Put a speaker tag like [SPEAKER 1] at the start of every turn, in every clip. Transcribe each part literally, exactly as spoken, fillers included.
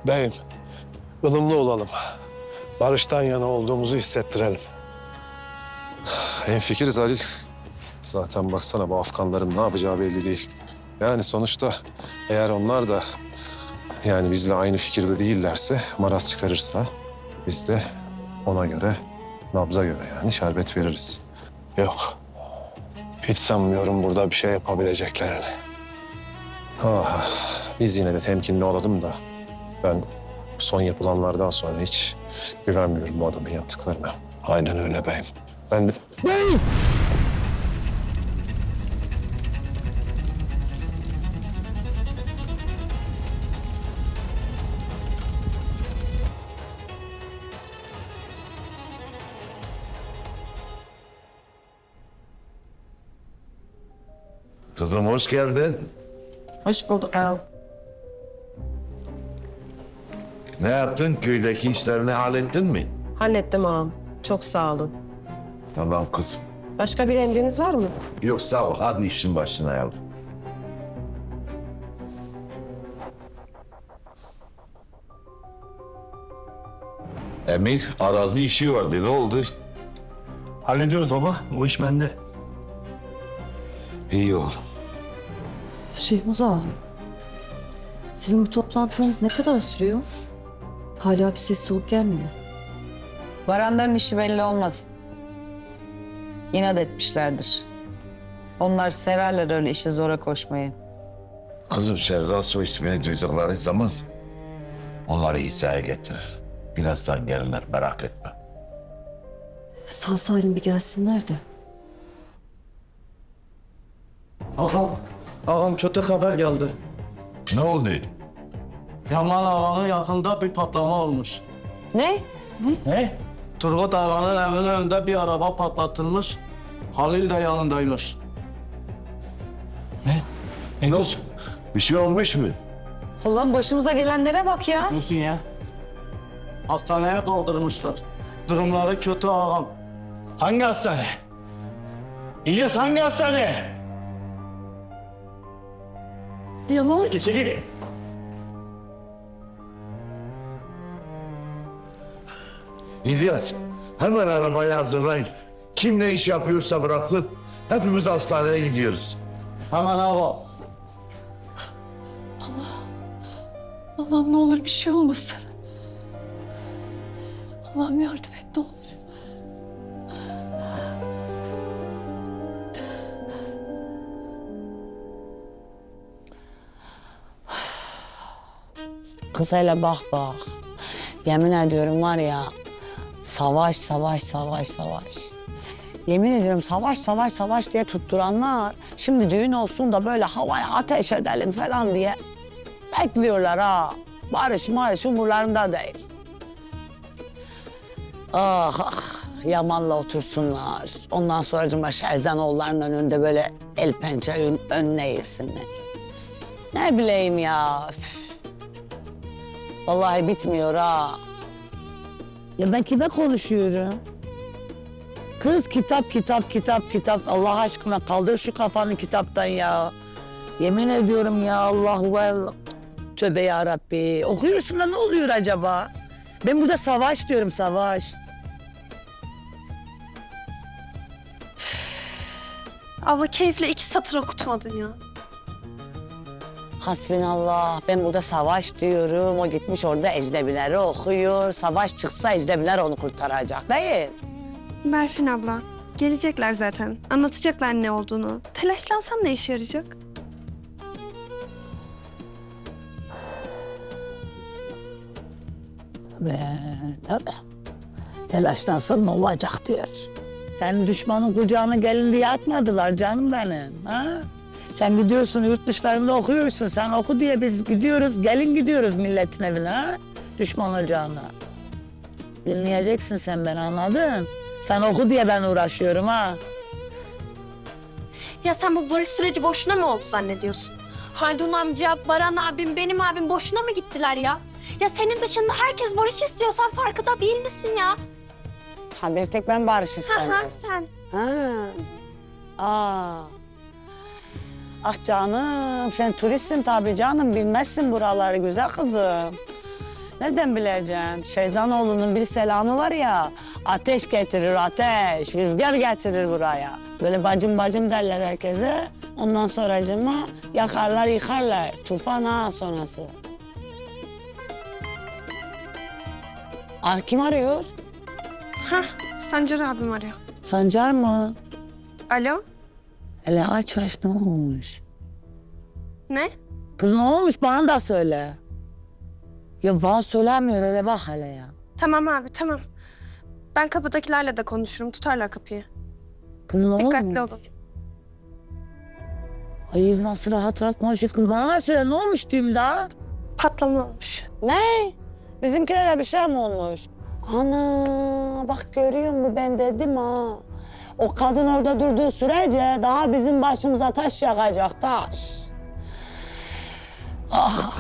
[SPEAKER 1] Beyim, ılımlı olalım. Barıştan yana olduğumuzu hissettirelim.
[SPEAKER 2] Hemfikiriz Halil. Zaten baksana bu Afganların ne yapacağı belli değil. Yani sonuçta eğer onlar da yani bizle aynı fikirde değillerse, maraz çıkarırsa biz de ona göre, nabza göre yani şerbet veririz.
[SPEAKER 1] Yok. Hiç sanmıyorum burada bir şey yapabileceklerini.
[SPEAKER 2] Ah, biz yine de temkinli olalım da ben son yapılanlardan sonra hiç güvenmiyorum bu adamın yaptıklarına.
[SPEAKER 1] Aynen öyle beyim.
[SPEAKER 2] Ben de...
[SPEAKER 3] Kızım hoş geldin.
[SPEAKER 4] Hoş bulduk ağam.
[SPEAKER 3] Ne yaptın? Köydeki işlerini hallettin mi?
[SPEAKER 4] Hallettim ağam. Çok sağ olun.
[SPEAKER 3] Tamam kızım.
[SPEAKER 4] Başka bir emriniz var mı?
[SPEAKER 3] Yok sağ ol. Hadi işin başına yavrum. Emir, arazi işi vardı. Ne oldu?
[SPEAKER 5] Hallediyoruz baba. O iş bende.
[SPEAKER 3] İyi oğlum.
[SPEAKER 6] Şehmuz ağa, sizin bu toplantılarınız ne kadar sürüyor? Hala bir ses soğuk gelmedi.
[SPEAKER 7] Varanların işi belli olmasın. İnat etmişlerdir. Onlar severler öyle işi zora koşmayı.
[SPEAKER 3] Kızım Şehzat soy ismini duydukları zaman onları hizaya getirir. Birazdan gelirler merak etme.
[SPEAKER 6] Sağ salim bir gelsinler de.
[SPEAKER 5] Ağam, ağam kötü haber geldi.
[SPEAKER 3] Ne oldu?
[SPEAKER 5] Yaman ağanın yakında bir patlama olmuş.
[SPEAKER 7] Ne?
[SPEAKER 5] Ne? Turgut ağanın evinin önünde bir araba patlatılmış. Halil de yanındaymış. Ne? Ne diyorsun?
[SPEAKER 3] Bir şey olmuş mu?
[SPEAKER 7] Ulan başımıza gelenlere bak ya.
[SPEAKER 5] Ne diyorsun ya? Hastaneye kaldırmışlar. Durumları kötü ağam. Hangi hastane? İlyas hangi hastane?
[SPEAKER 6] Yaman.
[SPEAKER 5] İçeri.
[SPEAKER 3] İlyas, hemen arabayı hazırlayın. Kim ne iş yapıyorsa bıraksın. Hepimiz hastaneye gidiyoruz.
[SPEAKER 5] Hemen ağam.
[SPEAKER 6] Allah'ım ne olur bir şey olmasın. Allah'ım yardım et ne olur.
[SPEAKER 8] Kız hele bak bak. Yemin ediyorum var ya, savaş, savaş, savaş, savaş. Yemin ediyorum savaş, savaş, savaş diye tutturanlar... ...şimdi düğün olsun da böyle havaya ateş edelim falan diye bekliyorlar ha. Barış marış umurlarında değil. Ah ah, Yaman'la otursunlar. Ondan sonracığıma Şerzanoğullarının önünde böyle el pençe ön, önüne yesinler. Ne bileyim ya. Üf. Vallahi bitmiyor ha. Ya ben kime konuşuyorum? Kız kitap, kitap, kitap, kitap. Allah aşkına kaldır şu kafanı kitaptan ya. Yemin ediyorum ya Allahu Allah. Tövbe yarabbi. Okuyorsun da ne oluyor acaba? Ben burada savaş diyorum, savaş.
[SPEAKER 9] Ama keyifle iki satır okutmadın ya.
[SPEAKER 8] Hasbinallah. Ben burada savaş diyorum. O gitmiş orada ecnebileri okuyor. Savaş çıksa ecnebiler onu kurtaracak değil.
[SPEAKER 9] Berfin abla, gelecekler zaten. Anlatacaklar ne olduğunu. Telaşlansam ne işe yarayacak?
[SPEAKER 8] Ve tabii. Telaşlansam ne olacak diyor. Senin düşmanın kucağına gelin diye atmadılar canım benim. Ha? Sen gidiyorsun yurt dışlarında okuyorsun. Sen oku diye biz gidiyoruz, gelin gidiyoruz milletin evine ha? Düşman ocağına. Dinleyeceksin sen beni, anladın? Sen oku diye ben uğraşıyorum ha.
[SPEAKER 9] Ya sen bu barış süreci boşuna mı oldu zannediyorsun? Haldun amca, Baran abim, benim abim boşuna mı gittiler ya? Ya senin dışında herkes barış istiyor. Sen farkında değil misin ya?
[SPEAKER 8] Ha bir tek ben barış
[SPEAKER 9] Ha
[SPEAKER 8] istemiyorum.
[SPEAKER 9] ha sen.
[SPEAKER 8] Ha. Aa. Ah canım, sen turistsin tabii canım, bilmezsin buraları güzel kızım. Nereden bileceksin? Şeyzanoğlu'nun bir selamı var ya. Ateş getirir ateş, rüzgar getirir buraya. Böyle bacım bacım derler herkese. Ondan sonracığıma yakarlar yıkarlar. Tufan ha sonrası. Ah kim arıyor?
[SPEAKER 9] Hah, Sancar abim arıyor.
[SPEAKER 8] Sancar mı?
[SPEAKER 9] Alo?
[SPEAKER 8] Hele aç aç ne olmuş?
[SPEAKER 9] Ne?
[SPEAKER 8] Kız ne olmuş bana da söyle. Ya bana söylemiyor hele bak hele ya.
[SPEAKER 9] Tamam abi, tamam. Ben kapıdakilerle de konuşurum. Tutarlar kapıyı.
[SPEAKER 8] Kız ne
[SPEAKER 9] Dikkatli
[SPEAKER 8] olmuş?
[SPEAKER 9] olun.
[SPEAKER 8] Hayır nasıl rahat rahat konuşuyor kız bana da söyle ne olmuş diyeyim daha?
[SPEAKER 9] Patlama olmuş.
[SPEAKER 8] Ne? Bizimkilere bir şey mi olmuş? Ana bak görüyor musun ben dedim ha. O kadın orada durduğu sürece daha bizim başımıza taş yakacak taş. Ah.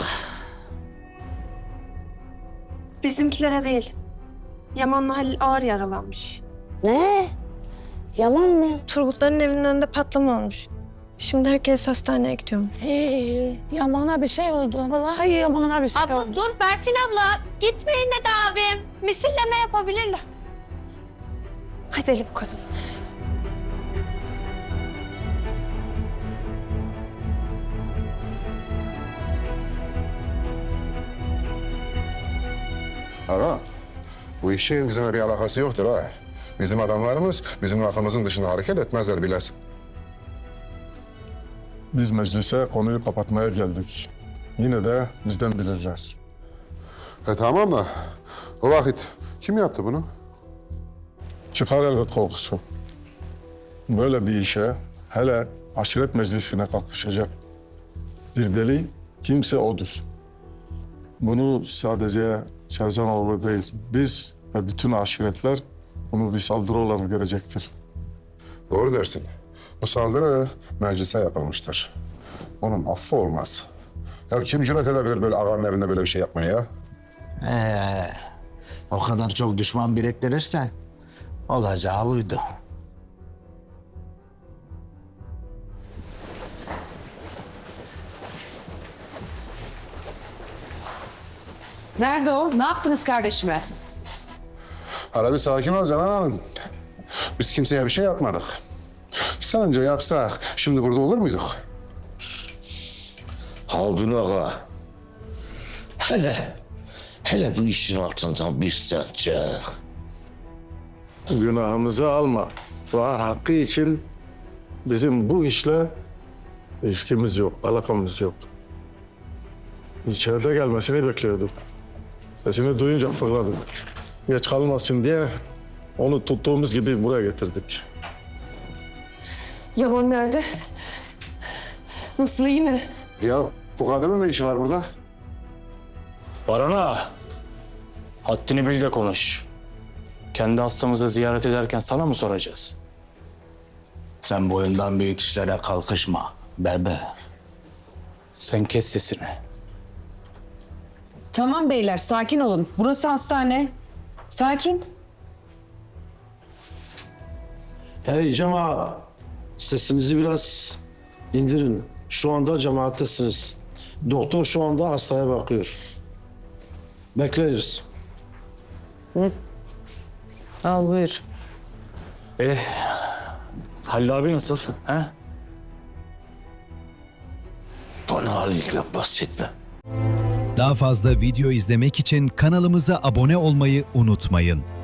[SPEAKER 9] Bizimkilere değil. Yaman'la Halil ağır yaralanmış.
[SPEAKER 8] Ne? Yaman mı?
[SPEAKER 9] Turgutların evinin önünde patlama olmuş. Şimdi herkes hastaneye gidiyor.
[SPEAKER 8] Hey, Yaman'a bir şey oldu. Vallahi Yaman'a bir şey oldu.
[SPEAKER 9] Abla dur Berfin abla. Gitmeyin de abim. Misilleme yapabilirler. Hadi Elif bu kadın.
[SPEAKER 10] Ama bu işin bizimle bir alakası yoktur ha. Bizim adamlarımız bizim lafımızın dışında hareket etmezler bilesin.
[SPEAKER 11] Biz meclise konuyu kapatmaya geldik. Yine de bizden bilirler.
[SPEAKER 10] E tamam da o vakit kim yaptı bunu?
[SPEAKER 11] Çıkar elbet korkusu. Böyle bir işe hele aşiret meclisine kalkışacak bir deli kimse odur. Bunu sadece Şerzanoğlu değil, biz ve bütün aşiretler bunu bir saldırı olarak görecektir.
[SPEAKER 10] Doğru dersin. Bu saldırı meclise yapılmıştır. Onun affı olmaz. Ya kim cüret edebilir böyle ağanın evinde böyle bir şey yapmaya ya?
[SPEAKER 5] Ee, o kadar çok düşman biriktirirsen olacağı buydu.
[SPEAKER 7] Nerede o? Ne yaptınız kardeşime?
[SPEAKER 10] Hala bir sakin ol Canan Hanım. Biz kimseye bir şey yapmadık. Sence yapsak şimdi burada olur muyduk?
[SPEAKER 3] Haldun ağa. Hele, hele bu işin altından bir sen çık.
[SPEAKER 11] Günahımızı alma. Var hakkı için bizim bu işle ilişkimiz yok, alakamız yok. İçeride gelmesini bekliyorduk. Sesini duyunca fırladık. Geç kalmasın diye onu tuttuğumuz gibi buraya getirdik.
[SPEAKER 4] Yaman nerede? Nasıl, iyi mi?
[SPEAKER 10] Ya bu kadının ne işi var burada?
[SPEAKER 12] Barana, haddini bil de konuş. Kendi hastamızı ziyaret ederken sana mı soracağız?
[SPEAKER 5] Sen boyundan büyük işlere kalkışma bebe.
[SPEAKER 12] Sen kes sesini.
[SPEAKER 7] Tamam beyler sakin olun. Burası hastane. Sakin.
[SPEAKER 1] Hey cemaat, sesinizi biraz indirin. Şu anda cemaattesiniz. Doktor şu anda hastaya bakıyor. Bekleriz.
[SPEAKER 7] Al buyur.
[SPEAKER 12] Eh, Halil abi nasıl? He?
[SPEAKER 3] Bana Halil'den bahsetme.
[SPEAKER 13] Daha fazla video izlemek için kanalımıza abone olmayı unutmayın.